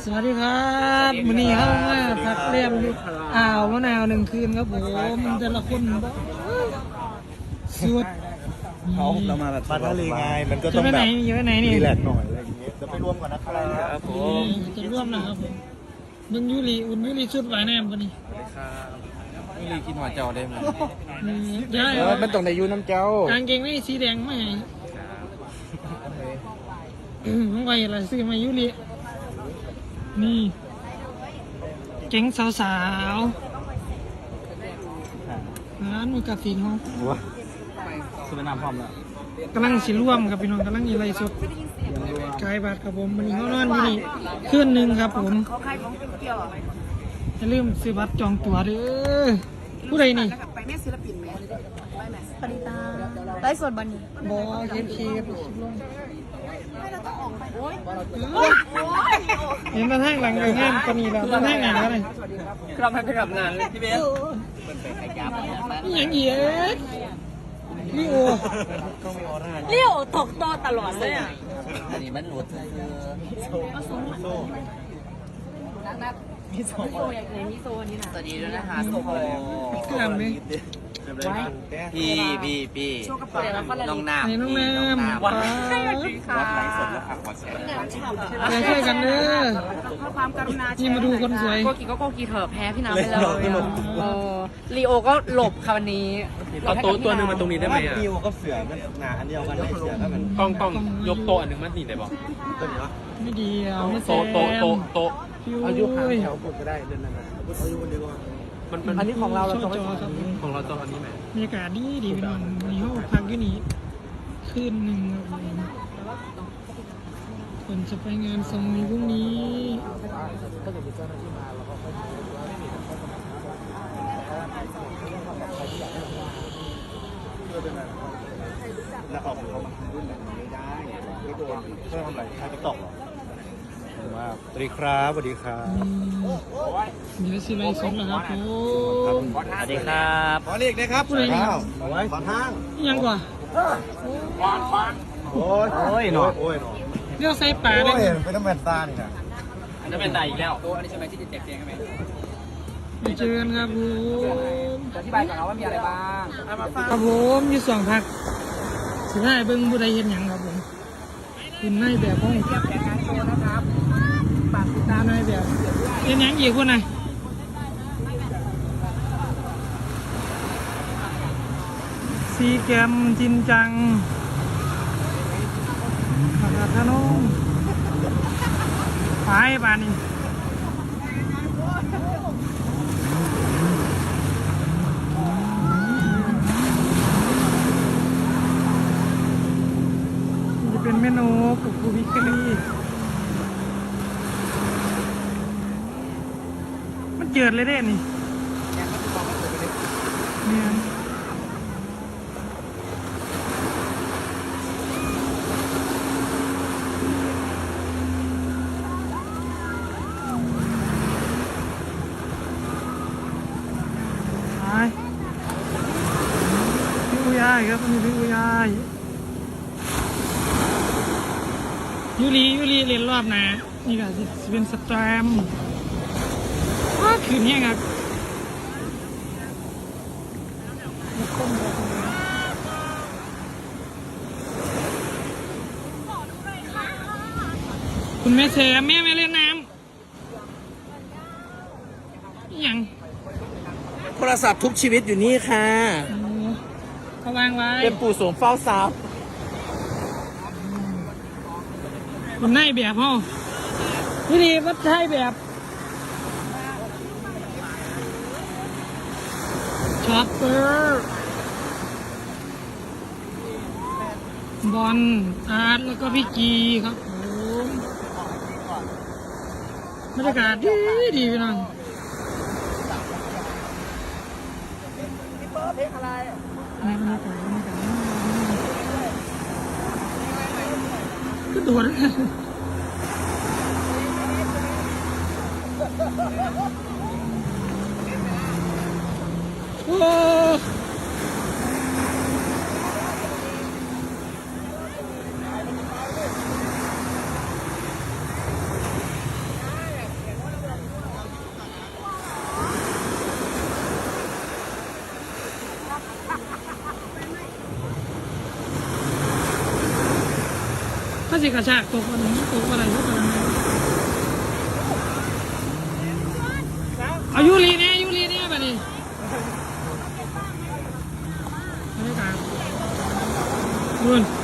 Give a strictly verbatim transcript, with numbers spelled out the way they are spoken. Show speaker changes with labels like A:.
A: วัสดีครับมื้อนี้เข้ามาพักเรียมอยู่อ่าวมะนาวหนึ่งคืนครับผมแต่ละคนสุด
B: เขาเรามาแบบมาทะเลไงมันก็
A: จะ
B: ต้อง
A: ไป
B: แบ
A: ไหน
B: บ
A: จะไปไหนนี่
B: รีแลกซ์หน่อยอะไรอย่างเงี้ยจะไปร่วมกันนะครับผม
A: จะร่วมนะครับผมเบิ่งยูริอุ่นยูริชุดหวายแนมวันนี้
C: นี่เลยกินหัวเจ้าได้ไหม
A: อืมเดี๋ยว
B: เออมันต้องในยูน้ำเจ้าก
A: างเกงไม่สีแดงไม่ให้อืมของไว้อะไรซื้อมายูรินี่เก๋งสาวๆร้านหมูกระสีห้อง
B: ว้าสุดน้ำพร้อมแล้ว
A: กำลังสิร่วมครับพี่น้องกำลังมีอะไรสดกายบาทครับผมวันนี้เขานอนอยู่นี่คืนหนึ่งครับผมอย่าลืมซื้อบัตรจองตั๋วเด้อผู้ใดนี่
D: ไปแม่ศิลปินแม่ไปแม่ปริตาไลฟ์สดบันนี้
A: บอเคฟเคฟคลิปลง
D: ไม่เราต้องออกไปโอ้ย
A: เห็นมาทางหลังเลยงานปนีแล้วมาทางไหนกันเลย
C: กลับไปไปกับงานพี่เบส
A: นี่ยังเหี้ยนี่โอ
D: เลี้ยวตกโตตลอดเลยอ่ะ
C: อันนี้มันหลุด
D: มิโซอย่างไรมิโซนี่นะ
C: สวัสดีด้วยนะคะโซโฮ
A: กล้ามเลย
C: พี่พี่พี่น้องน้ำ
A: ไอ้น้องแนม
C: วัด
A: ป้า
C: วัดไหลสดแล้วค่ะวัดแสง
A: ไปช่วยกันเด้อ
D: ความกรุณา
A: นี่มาดูคนสวย
D: โกกีก็โกกีเถอะแพ้พี่น้ำไปเลยเออลีโอก็หลบค่ะวันนี้
E: เอาโต๊ะตัวหนึ่งมาตรงนี้ได้ไหมอ่ะ
B: ดิวก็เสือมันหนาอันเดียวกันไม่เสือถ้ามัน
E: ต้องต้องยกโต๊ะอันหนึ่งมาหนีได้บอก
B: ต้นเนาะ
A: ไม่ดีเอาไม่แซ
E: โต๊ะ
A: ม
E: โต๊ะโต๊ะโต๊ะ
A: พี่
B: อายุ
A: โอ้
B: ห่าง
A: ย
B: แถวผมก็ได้เดินนั่นนะอายุคนเดียวก่อน
E: มันมัน
B: อันนี้ของเราเรา
A: ช่
B: จะ
A: อง
B: ไม่
A: จอครับ
E: ของเราโต๊ะอันนี้ไหม
A: บรรยากาศดีดีพี่น้องวันนี้เขาพักอยู่นี่คืนหนึ่งครับผมคนจะไปงานสมุยพรุ่งนี้
B: ถ้าเกิดมีเจ้าหน้าที่มาเราก็ค่อยแล้วออกเขามารุ่นแบบนี้ได้ไม่โดนเพื่อทำอะไรใครไปตกหรอว่าสวัสดีครับสวัสดีครับ
A: อืมเดี๋ยวสิไลฟ์สดแล้วครับผม
C: สวัสดีครับ
B: ขอเรียกนะครับ
A: ผู้ใดนี่ครับ
B: ขอทาง
A: นี่ยังกว่า
B: โอ้ยโอ้ยหนอโอ้ยหนอ
A: เรียกใส่ป่าเลย
B: โอ้ยเป็นน้ำแมนซ่านี่นะ
E: อันนั้นเป็นไตอีกแล้ว
C: โต๊ะอันนี้ใช่ไหมที่จะแจกแจงไหม
A: ไปเจอกันครับผม
C: อธิบายก่อนนะว่ามีอะไรบ้าง
A: ครับผมอยู่สองพักสิได้เบิ่งผู้ใดเห็นหยังครับผมคุณนายแบบห้อง
D: แผนงานโชว์นะครับฝากติดตาม
A: นายแบบเห็นหยังอีกคนไหนซีแกมจินจังขนาดทนงไปบานนี้จะเป็นเมนูกับกูวิกฤตมันเจิดเลยเด้นี่เนี่ยไปพี่อุยายครับนี่พี่อุยายยูรียูรีเรียนรอบนะนี่ก็สิสิเป็นสแตรมว้าคืนนี้ครับคุณแม่เสียแม่ไม่เล่นน้ำอิหยัง
C: โทรศัพท์ทุกชีวิตอยู่นี่ค่ะ
A: โอ้เขาวางไว้
C: เป็นปู่โสมเฝ้าทรัพย์
A: คุณนายแบบเฮาวิธีวัดใช้แบบช็อปเปอร์บอลอาร์ตแล้วก็พี่จีครับผมบรรยากาศดีดีพี่น้องเพลงอะไรบรรยากาศบรรยากาศก็โดดโอ้สิกระชากตกอะไรตกอะไรก็ตามเอายูรีเนี่ยยูรีเนี่ยแบบนี้ไม่ได้การบุญ